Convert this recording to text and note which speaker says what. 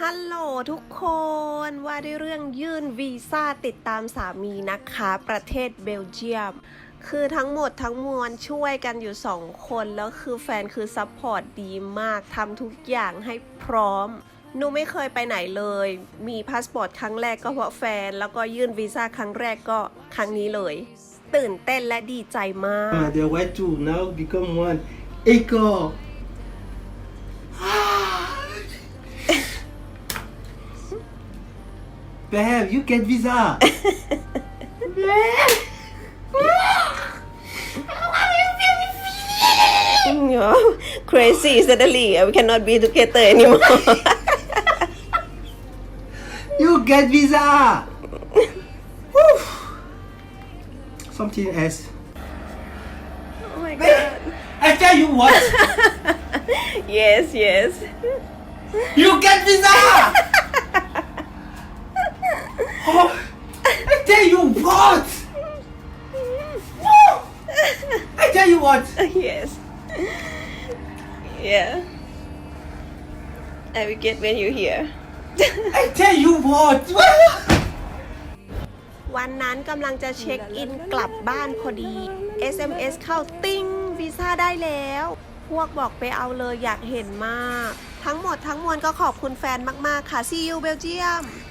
Speaker 1: ฮัลโหลทุกคนว่าด้วยเรื่องยื่นวีซ่าติดตามสามีนะคะประเทศเบลเยียมคือทั้งหมดทั้งมวลช่วยกันอยู่2 คนแล้วคือแฟนคือซัพพอร์ตดีมากทำทุกอย่างให้พร้อมหนูไม่เคยไปไหนเลยมีพาสปอร์ตครั้งแรกก็เพราะแฟนแล้วก็ยื่นวีซ่าครั้งแรกก็ครั้งนี้เลยตื่นเต้นและดีใจมาก
Speaker 2: The way to now become one. Echo. Babe, you get visa.
Speaker 1: Crazy suddenly we cannot be together anymore
Speaker 2: You get visa. Something else.
Speaker 1: Oh my god
Speaker 2: I tell you what.
Speaker 1: Yes
Speaker 2: You get visa. Oh, I tell you what. I tell you what.
Speaker 1: Yes Yeah I will get when you here
Speaker 2: I tell you what.
Speaker 1: วันนั้นกำลังจะเช็คอินกลับบ้านพอดี SMS เข้าติ้งวีซ่าได้แล้ว พวกบอกไปเอาเลยอยากเห็นมาก ทั้งหมดทั้งมวลก็ขอบคุณแฟนมากๆค่ะ See you Belgium